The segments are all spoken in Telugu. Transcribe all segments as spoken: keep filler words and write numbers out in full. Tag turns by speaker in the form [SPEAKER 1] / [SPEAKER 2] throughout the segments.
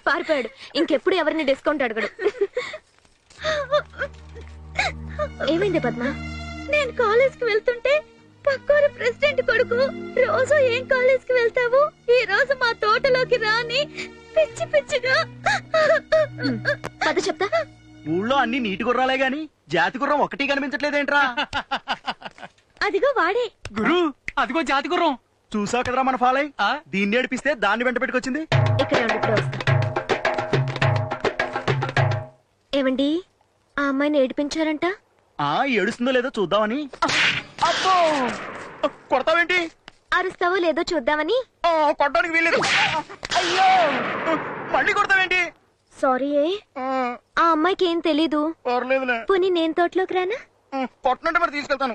[SPEAKER 1] పారిపోయాడు. ఇంకెప్పుడు ఎవరిని డిస్కౌంట్ అడగడు. ఏమైంది పద్మ?
[SPEAKER 2] నేను కాలేజ్ కి వెళ్తుంటే పక్కూరు ప్రెసిడెంట్ కొడుకు రోజు ఏం కాలేజ్ కి వెళ్తావు, ఈ రోజు మా తోటలోకి రాని పిచ్చి పిచ్చిగా.
[SPEAKER 1] పద చెప్తా.
[SPEAKER 3] ఊళ్ళో అన్ని నీటి గుర్రాలే గాని జాతి గుర్రం ఒకటి కనిపించట్లేదేంట్రా?
[SPEAKER 2] అదిగో వాడే.
[SPEAKER 4] గురు అదిగో జాతి గుర్రం.
[SPEAKER 3] చూసావు కదరా మన ఫాలై. దీన్ని ఏడిపిస్తే దాన్ని వెంట పెట్టుకొచ్చింది.
[SPEAKER 1] ఇక్కడే ఉండి ఇప్పుడు వస్తా. ఏమండి, ఆ అమ్మాయిని ఏడిపించారంట?
[SPEAKER 3] ఆ ఏడుస్తుందో లేదో చూద్దామని. అబ్బో కొడతావేంటి?
[SPEAKER 1] అరుస్తావో లేదో చూద్దామని.
[SPEAKER 3] కొట్టడానికి వీల్లేదు. అయ్యో మళ్ళీ కొడతావేంటి?
[SPEAKER 1] సారీ. ఆ అమ్మాయికి ఏం తెలీదు. పోనీ నేను తోటలోకి రానా?
[SPEAKER 3] కొట్టనంటే మరి తీసుకెళ్తాను.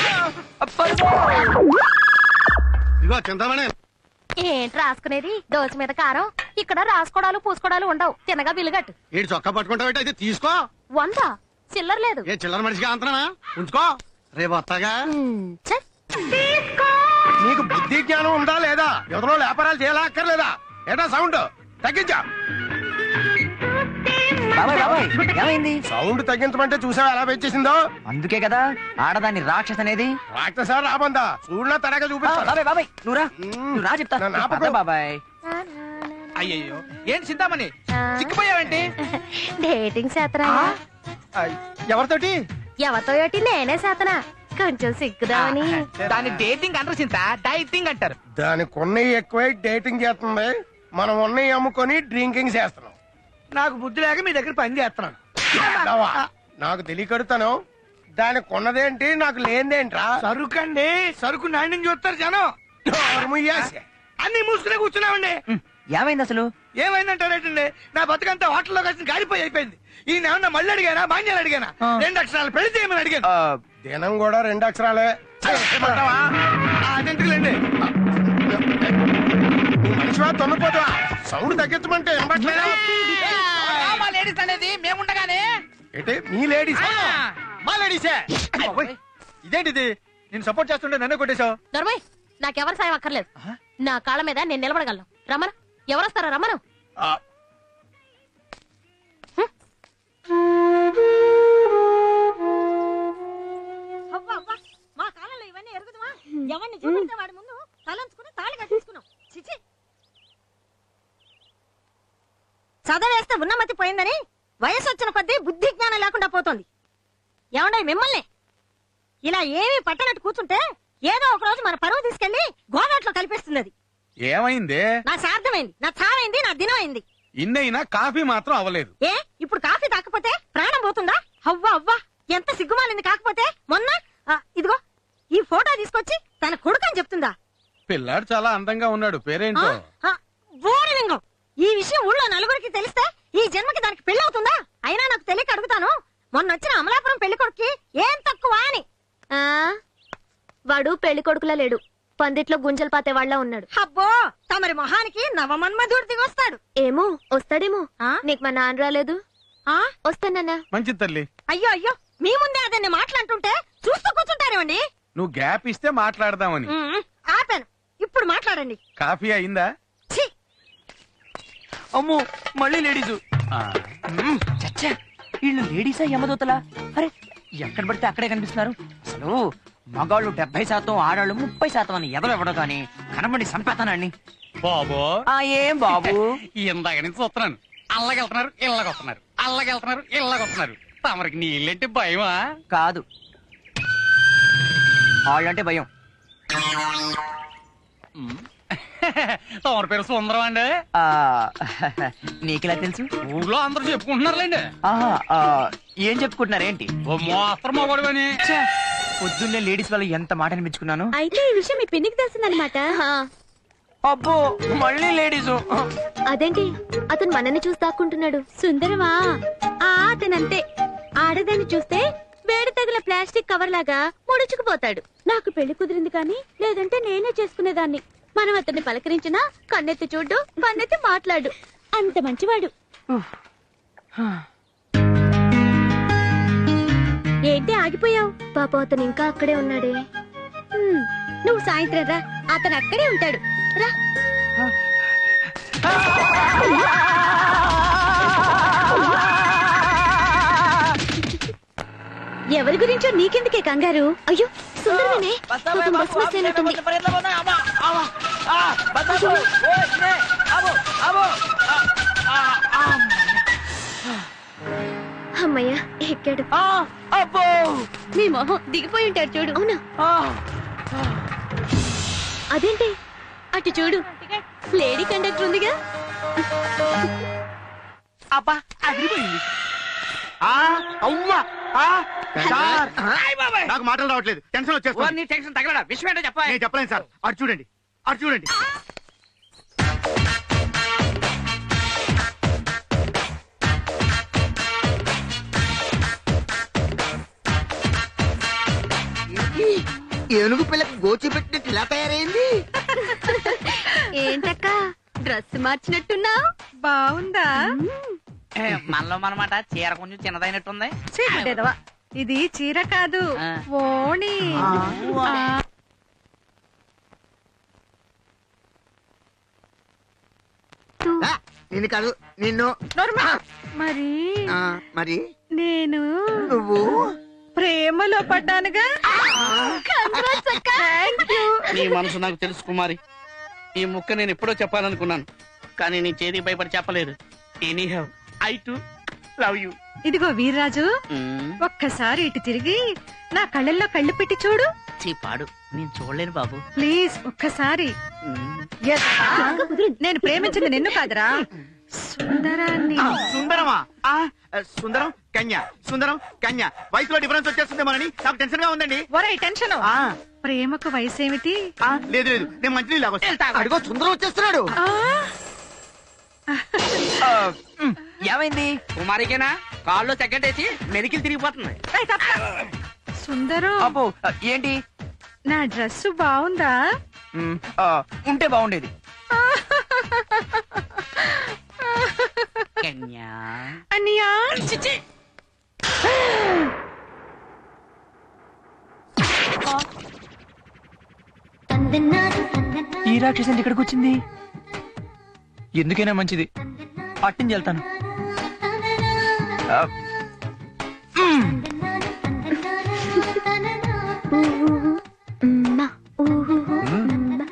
[SPEAKER 5] ఇగో చింతమనే.
[SPEAKER 2] ఏంటి రాసుకునేది? దోశ మీద కారం. ఇక్కడ రాసుకోడాలు పూసుకోడాలు ఉండవు. తినగా బిల్లుగట్టు.
[SPEAKER 5] ఏంటి చొక్కా పట్టుకుంటావు? అయితే తీసుకో.
[SPEAKER 2] వంద చిల్లర లేదు.
[SPEAKER 5] ఏ చిల్లర మనిషిగా అంతనా? ఉంచుకో, రేపు వస్తాగా. నీకు బుద్ధి జ్ఞానం ఉందా లేదా? ఎవరో వ్యాపారాలు చేయాలా అక్కర్లేదా? ఏటా సౌండ్ తగ్గించా.
[SPEAKER 6] ఏమైంది?
[SPEAKER 5] సౌండ్ తగ్గించమంటే చూసావా ఎలా పెంచేసిందో?
[SPEAKER 6] అందుకే కదా ఆడదాన్ని రాక్షస్ అనేది.
[SPEAKER 5] రాక్షస రాబందా చూడలా తడగా చూపిస్తా.
[SPEAKER 6] బాబాయ్ బాబాయ్ నువ్వురా నువ్వు రా చెప్తా. బాబాయ్
[SPEAKER 4] అయ్యయ్యో ఏంటి చింతామణి చిక్కిపోయావేంటి?
[SPEAKER 2] డేటింగ్ చేతనా?
[SPEAKER 5] ఎవరితోటి?
[SPEAKER 2] ఎవరితో ఏటి నేనే చేతనా. కొంచెం సిగ్గుదామని.
[SPEAKER 4] దాన్ని డేటింగ్ అంటారు చింత, డైటింగ్ అంటారు.
[SPEAKER 5] దానికి ఉన్నవి ఎక్కువై డేటింగ్ చేస్తుంది, మనం ఉన్నవి అమ్ముకొని డ్రింకింగ్ చేస్తున్నాం.
[SPEAKER 4] నాకు బుద్ధి లేక మీ దగ్గర పని చేస్తున్నాను.
[SPEAKER 5] నాకు తెలియకడుతాను. దానికి ఉన్నదేంటి నాకు లేనిదేంట్రా?
[SPEAKER 4] సరుకు అండి, సరుకు నాణ్యం చూస్తారు జనం. అన్ని మూసుకునే కూర్చున్నామండి.
[SPEAKER 6] ఏమైంది అసలు?
[SPEAKER 4] ఏమైందంటారేటండి, నా బతుకంతా హోటల్లో కలిసి గాలిపోయి అయిపోయింది. ఈయన ఏమన్నా మళ్ళీ అడిగానా బాంజాలు అడిగానా? రెండు అక్షరాలు పెళ్లి చేయమని అడిగాను.
[SPEAKER 5] దినం కూడా రెండు అక్షరాలే.
[SPEAKER 4] అదెందుకులేండి
[SPEAKER 5] మనిషివా తొన్నపోతావా? సౌండ్ తగ్గించమంటే
[SPEAKER 4] లేడీస్ అనేది మేముండగానే.
[SPEAKER 5] ఏంటి మీ లేడీస్?
[SPEAKER 4] మా లేడీసే. ఇదేంటిది, నేను సపోర్ట్ చేస్తుంటే నన్నే కొట్టేశావు.
[SPEAKER 2] దొరబాయ్, నాకెవరి సాయం అక్కర్లేదు. నా కాళ్ళ మీద నేను నిలబడగలను. రమణ, ఎవరొస్తారా? రమణ. మా కాలంలో ఇవన్నీ ఎరుగుదమా? ఎవరిని చూపిస్తే వాడి ముందు తలంచుకుని తాళి కట్టించుకున్నాం. చిచి, చదవేస్తే ఉన్నమతి పోయిందని వయసు వచ్చిన కొద్దీ బుద్ధి జ్ఞానం లేకుండా పోతుంది. ఏమండే మిమ్మల్ని ఇలా ఏమీ పట్టనట్టు కూర్చుంటే ఏదో ఒక రోజు మన పరువు తీసుకెళ్లి గోదాట్లో కలిపేస్తుంది. అది
[SPEAKER 4] ఏమైంది?
[SPEAKER 2] నా సార్థమైంది, నా చావైంది, నా దినం అయింది.
[SPEAKER 4] ఇన్నైనా కాఫీ మాత్రం అవ్వలేదు.
[SPEAKER 2] ఏ ఇప్పుడు కాఫీ తాకపోతే ప్రాణం పోతుందా? అవ్వా అవ్వా ఎంత సిగ్గుమాలింది. కాకపోతే మొన్న ఇదిగో ఈ ఫోటో తీసుకొచ్చి తన కొడుకు అని చెప్తుందా?
[SPEAKER 4] పిల్లాడు చాలా అందంగా ఉన్నాడు, పేరేంటో?
[SPEAKER 2] బోరలింగం. ఈ విషయం ఊళ్ళో నలుగురికి తెలిస్తే ఈ జన్మకి దానికి పెళ్ళవుతుందా? అయినా నాకు తెలియక అడుగుతాను, మొన్న వచ్చిన అమలాపురం పెళ్లి కొడుక్కి ఏం తక్కువ అని.
[SPEAKER 1] వాడు పెళ్లి కొడుకులా లేడు, పందిట్లో గుంజలు పాతే వాళ్ళ ఉన్నాడు.
[SPEAKER 2] అబ్బో, తమరి మొహానికి నవమన్మధుడు దిగొస్తాడు.
[SPEAKER 1] ఏమో వస్తాడేమో. నీకు మా నాన్న రాలేదు? వస్తానన్నా.
[SPEAKER 4] మంచి తల్లి.
[SPEAKER 2] అయ్యో అయ్యో, మీ ముందే అదన్ని మాట్లాడుతుంటే చూస్తూ కూర్చుంటారేమండి.
[SPEAKER 4] నువ్వు గ్యాప్ ఇస్తే మాట్లాడదామని.
[SPEAKER 2] ఆపాను, ఇప్పుడు మాట్లాడండి.
[SPEAKER 4] కాఫీ అయిందా?
[SPEAKER 6] అమ్మో మళ్ళీ లేడీసు. చచ్చా, వీళ్ళు లేడీసా యమదూతలా? అరే ఎక్కడ పడితే అక్కడే కనిపిస్తున్నారు. అసలు మగాళ్ళు డెబ్బై శాతం ఆడాళ్ళు ముప్పై శాతం అని ఎదలు ఇవ్వడం కానీ కనబడి సంపేతానండి.
[SPEAKER 4] బాబు
[SPEAKER 6] ఏం బాబు,
[SPEAKER 4] ఇందాక నుంచి చూస్తున్నాను. అల్లగెళ్తున్నారు ఇళ్ళగొస్తున్నారు, అల్లగెళ్తున్నారు ఇళ్ళగొస్తున్నారు. తమరికి నీళ్ళంటే భయమా?
[SPEAKER 6] కాదు, వాళ్ళంటే భయం.
[SPEAKER 4] తమరి పేరు సుందరం అండి.
[SPEAKER 6] నీకెలా తెలుసు?
[SPEAKER 4] ఊళ్ళో అందరూ చెప్పుకుంటున్నారులేండి.
[SPEAKER 6] ఏం చెప్పుకుంటున్నారు ఏంటి?
[SPEAKER 4] ఓ మోస్తరు మొగడువని.
[SPEAKER 6] పొద్దున్నే లేడీస్ వాళ్ళు ఎంత మాట అనిపించుకున్నాను.
[SPEAKER 2] అయితే ఈ విషయం మీ పిన్నికి తెలిసిందనమాట.
[SPEAKER 6] అబ్బో మళ్ళీ లేడీసు.
[SPEAKER 1] అదేంటి అతను మనల్ని చూసి దాక్కుంటున్నాడు?
[SPEAKER 2] సుందరమా, ఆ అతనంతే. ఆడదాన్ని చూస్తే వేడి తగిల ప్లాస్టిక్ కవర్ లాగా ముడుచుకుపోతాడు. నాకు పెళ్లి కుదిరింది కానీ లేదంటే నేనే చేసుకునేదాన్ని. మనం అతన్ని పలకరించినా కన్నెత్తి చూడు, కన్నెత్తి మాట్లాడు. అంత మంచివాడు. ఏంటి ఆగిపోయావు?
[SPEAKER 1] పాప అతను ఇంకా అక్కడే ఉన్నాడే.
[SPEAKER 2] నువ్వు సాయంత్రం రా, అతను అక్కడే ఉంటాడు. రా. ఎవరి గురించో నీకెందుకే కంగారు?
[SPEAKER 1] అయ్యో సుందరమేనే పాపం బస్ మిస్ అయినట్టుంది. అమ్మయ్యా ఎక్కాడు.
[SPEAKER 2] నీ మొహం దిగిపోయి ఉంటాడు చూడు.
[SPEAKER 1] అవునా? అదేంటి?
[SPEAKER 2] అటు చూడు, లేడీ కండక్టర్ ఉందిగా.
[SPEAKER 3] అబ్బా అదిరిపోయింది. ఆ, అవ్వా, ఆ, సార్,
[SPEAKER 5] నాకు మాటలు రావట్లేదు, టెన్షన్ వచ్చేస్తుంది.
[SPEAKER 6] నీ టెన్షన్ తగలడా? విషయం ఏంటో చెప్పా.
[SPEAKER 5] నేను చెప్పలేను సార్. అటు చూడండి, అటు చూడండి.
[SPEAKER 4] ఏనుగు పిల్లకి గోచి పెట్టినట్టు ఇలా తయారైంది.
[SPEAKER 2] ఏంటక్క డ్రెస్ మార్చినట్టున్నా? బాగుందా?
[SPEAKER 6] మనలో మనమాట చీర కొంచెం చిన్నదైనట్టుంది.
[SPEAKER 2] చీరదేదవా, ఇది చీర కాదు,
[SPEAKER 6] ఆ.
[SPEAKER 2] ఓణి.
[SPEAKER 4] నిన్ను కాదు, నిన్ను.
[SPEAKER 2] మరి
[SPEAKER 4] ఆ, మరి
[SPEAKER 2] నేను
[SPEAKER 4] నువ్వు
[SPEAKER 2] ప్రేమలో పడ్డానుగా.
[SPEAKER 7] నీ మనసు నాకు తెలుసు కుమారి. ఈ ముక్క నేను ఎప్పుడో చెప్పాలనుకున్నాను, కానీ నీ చేతికి భయపడి చెప్పలేదు. Any have I to love you.
[SPEAKER 2] ఇదిగో వీర్రాజు, ఒక్కసారి ఇటు తిరిగి నా కళ్ళల్లో కళ్ళు పెట్టి చూడు.
[SPEAKER 6] పాడు, నేను చూడలేను బాబు.
[SPEAKER 2] ప్లీజ్ ఒక్కసారి. Yes. నేను ప్రేమించింది నిన్ను కాదురా, సుందరాన్ని.
[SPEAKER 5] ఆ, సుందరమా? ఆ, సుందరం కన్య, సుందరం కన్య. వయసులో డిఫరెన్స్ వచ్చేస్తుందేమోనని నాకు టెన్షన్ గా ఉందండి.
[SPEAKER 2] ఒరేయ్ టెన్షన్,
[SPEAKER 5] ఆ,
[SPEAKER 2] ప్రేమకు వయసు ఏమిటి?
[SPEAKER 5] ఆ, లేదు లేదు, నేను మంచినీళ్ళు లాగొస్తా.
[SPEAKER 4] అడిగో సుందరం వచ్చేస్తున్నాడు.
[SPEAKER 2] ఆ,
[SPEAKER 6] ఏమైంది?
[SPEAKER 7] కుమారికేనా కాల్లో సెకండ్ వేసి మెలికిలు తిరిగిపోతుంది.
[SPEAKER 2] ఏయ్, తప్ప. సుందరం,
[SPEAKER 6] అబ్బో ఏంటి?
[SPEAKER 2] నా డ్రెస్ బాగుందా?
[SPEAKER 6] మ్, ఆ, ఉంటే బాగుండేది. కన్యా.
[SPEAKER 2] అన్నయ్యా,
[SPEAKER 6] ఈ రాక్షసి ఇక్కడికి వచ్చింది. ఎందుకైనా మంచిది, పట్టించి వెళ్తాను. ఆ, మ్.
[SPEAKER 1] ఉమ్మా, ఊహు, ఉమ్మా.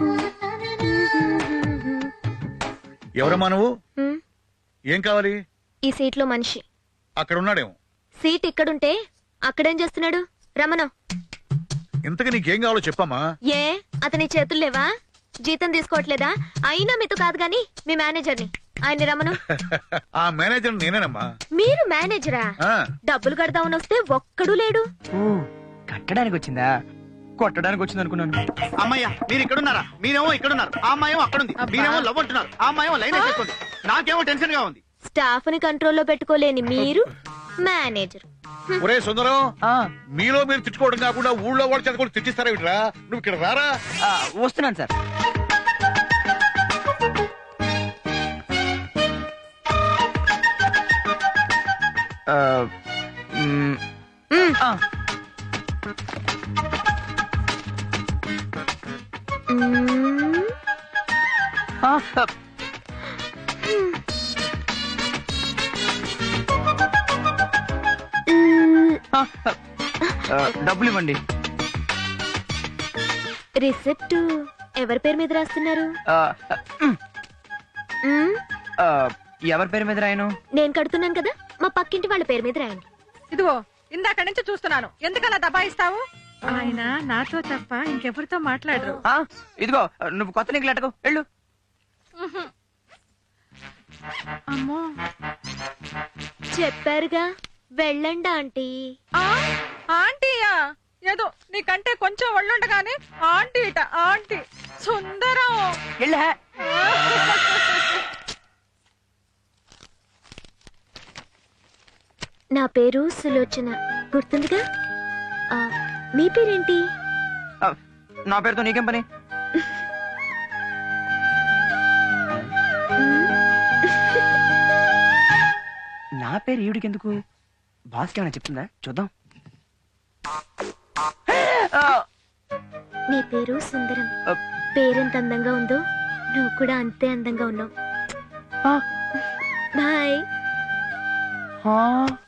[SPEAKER 8] ఎవరమ్మా నువ్వు?
[SPEAKER 1] ఉమ్,
[SPEAKER 8] ఏం కావాలి?
[SPEAKER 1] ఈ సీట్ లో మనిషి.
[SPEAKER 8] అక్కడ ఉన్నాడేమో.
[SPEAKER 1] సీట్ ఇక్కడుంటే అక్కడేం చేస్తున్నాడు? రమణ.
[SPEAKER 8] ఇంతకు నీకేం కావాలో చెప్పమ్మా.
[SPEAKER 1] ఏ అతని చేతులు లేవా? జీతం తీసుకోవట్లేదా? అయినా మీతో కాదు గాని మీ మేనేజర్ని. ఆయన రమను.
[SPEAKER 8] ఆ మేనేజర్ నేనేనమ్మా.
[SPEAKER 1] మీరు మేనేజరా?
[SPEAKER 8] ఆ,
[SPEAKER 1] డబ్బులు కడదామని వస్తే ఒక్కడు లేడు.
[SPEAKER 6] ఓ, కట్టడానికి వచ్చిందా? కొట్టడానికి వచ్చింది అనుకున్నాను.
[SPEAKER 5] అమ్మయ్య, మీరు ఇక్కడున్నారా? మీరేమో ఇక్కడున్నారు, ఆ అమ్మాయేమో అక్కడుంది. మీరేమో లవ్ అంటున్నారు, ఆ అమ్మాయేమో లైన్ వేసేస్తుంది. నాకేమో టెన్షన్ గా ఉంది.
[SPEAKER 1] స్టాఫ్ ని కంట్రోల్లో పెట్టుకోలేని మీరు మేనేజర్.
[SPEAKER 8] ఒరే సుందరం,
[SPEAKER 6] ఆ,
[SPEAKER 8] మీలో మీరు తిట్టుకోవడం కాకుండా ఊళ్ళో వాళ్ళు చదువుకొని తిట్టిస్తారా ఇట్రా? నువ్వు ఇక్కడ రారా?
[SPEAKER 6] ఆ, వస్తున్నాను సార్. ఆ, మ్, ఆ,
[SPEAKER 1] మ్మ్.
[SPEAKER 6] ఆ, ఆ,
[SPEAKER 1] మ్మ్.
[SPEAKER 6] ఆ, ఆ, డబ్బులు ఇవ్వండి.
[SPEAKER 1] రిసిప్ట్ ఎవరి పేరు మీద రాస్తున్నారు?
[SPEAKER 6] ఆ, మ్,
[SPEAKER 1] మ్మ్.
[SPEAKER 6] ఆ, ఎవరి పేరు మీద రాయను?
[SPEAKER 1] నేను కడుతున్నాను కదా, మా పక్కింటి వాళ్ళ పేరు మీద రాయండి.
[SPEAKER 2] ఇదిగో ఇందాక నుంచి చూస్తున్నాను, ఎందుకలా దబాయిస్తావు? ఆయన నాతో తప్ప ఇంకెవరితో మాట్లాడరు.
[SPEAKER 6] ఆ, ఇదిగో నువ్వు కొత్త నీకు లెటకు వెళ్ళు.
[SPEAKER 2] అమ్మో,
[SPEAKER 1] చెప్పారుగా వెళ్ళండి ఆంటీ.
[SPEAKER 2] ఆ, ఆంటీయా? ఏదో నీకంటే కొంచెం ఒళ్ళుండగానే ఆంటీ ఇట ఆంటీ. సుందరం,
[SPEAKER 6] వెళ్ళు.
[SPEAKER 1] నా పేరు సులోచన, గుర్తుందిగా? ఆ, మీ పేరేంటి?
[SPEAKER 6] ఆ, నా పేరుతో నీకేం పని? నా పేరు ఈవిడికి ఎందుకు? బాస్కి ఏమైనా చెప్తుందా? చూద్దాం. ఆ,
[SPEAKER 1] నీ పేరు సుందరం.
[SPEAKER 6] ఆ,
[SPEAKER 1] పేరెంత అందంగా ఉందో నువ్వు కూడా అంతే అందంగా ఉన్నావు.
[SPEAKER 6] ఆ,
[SPEAKER 1] బాయ్.
[SPEAKER 6] ఆ.